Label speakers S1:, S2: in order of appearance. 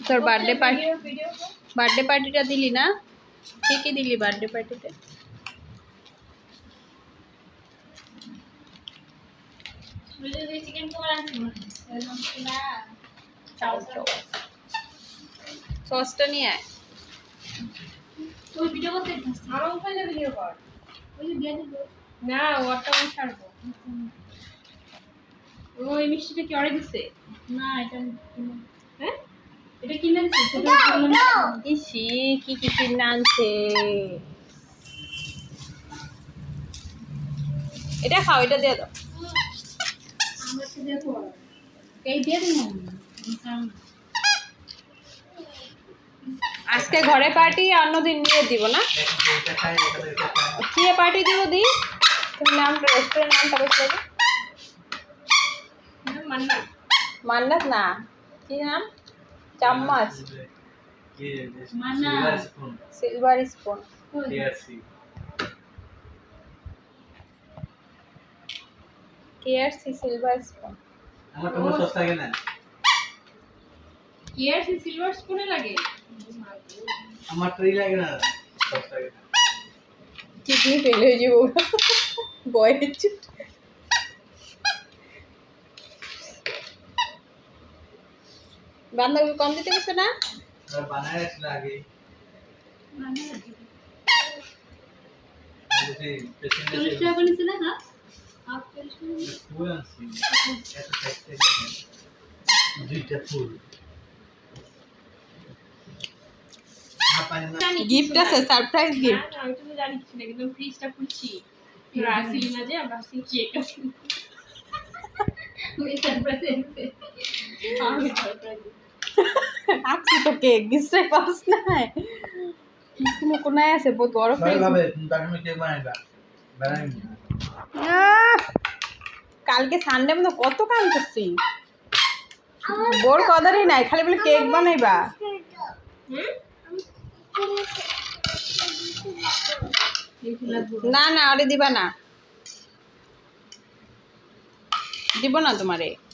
S1: তোর বার্থডে পার্টিটা দিলি না? ঠিকই দিলি বার্থডে পার্টিতে। সসটা নিয়ে আয়। না ওটা আমি ছাড়বো। ওই মিষ্টিটা কি অর্ডার দিছে? না এটা হ্যাঁ এটা কিনে আনছে। ইসি কি কিনে আনছে? এটা খাও, এটা দিয়ে দাও। আজকে ঘরে পার্টি, অন্যদিন নিয়ে দিব না। কি পার্টি দিব দি? তুমি নামটা রেস্টুরেন্ট নামটা বসলে মান্নাত না, কি নাম? চাম্মচ, silver spoon, KRC silver spoon. আমার তো সস্তা লাগে না। কেআরসি সিলভার স্পুনে লাগে, আমার তো লাগে না, সস্তা লাগে না। কিডনি ফেল হয়ে যাবো বয়ের চুট। বান্ধাকপি কম দিতে গেছে না? বানায় রাখছিল আগে। গিফট আছে, সারপ্রাইজ গিফট। আমি তো জানি কিছু না, কিন্তু ফ্রিজটা খুলছি আসলি না যে আমরা আসি কেক আছে। ওই সারপ্রাইজ আছে, আমি সারপ্রাইজ আপনি তো কেক দিতে পারছ না। কোনো কোনায় আছে বহুত বড় ফ্রিজ ভাবে তুমি কেক বানাইবা বানাই। কালকে সানডে মনে কত কাম করছি, বোর কদারই নাই, খালি বলে কেক বানাইবা। না না আরে দিবা না, দিব না তোমারে।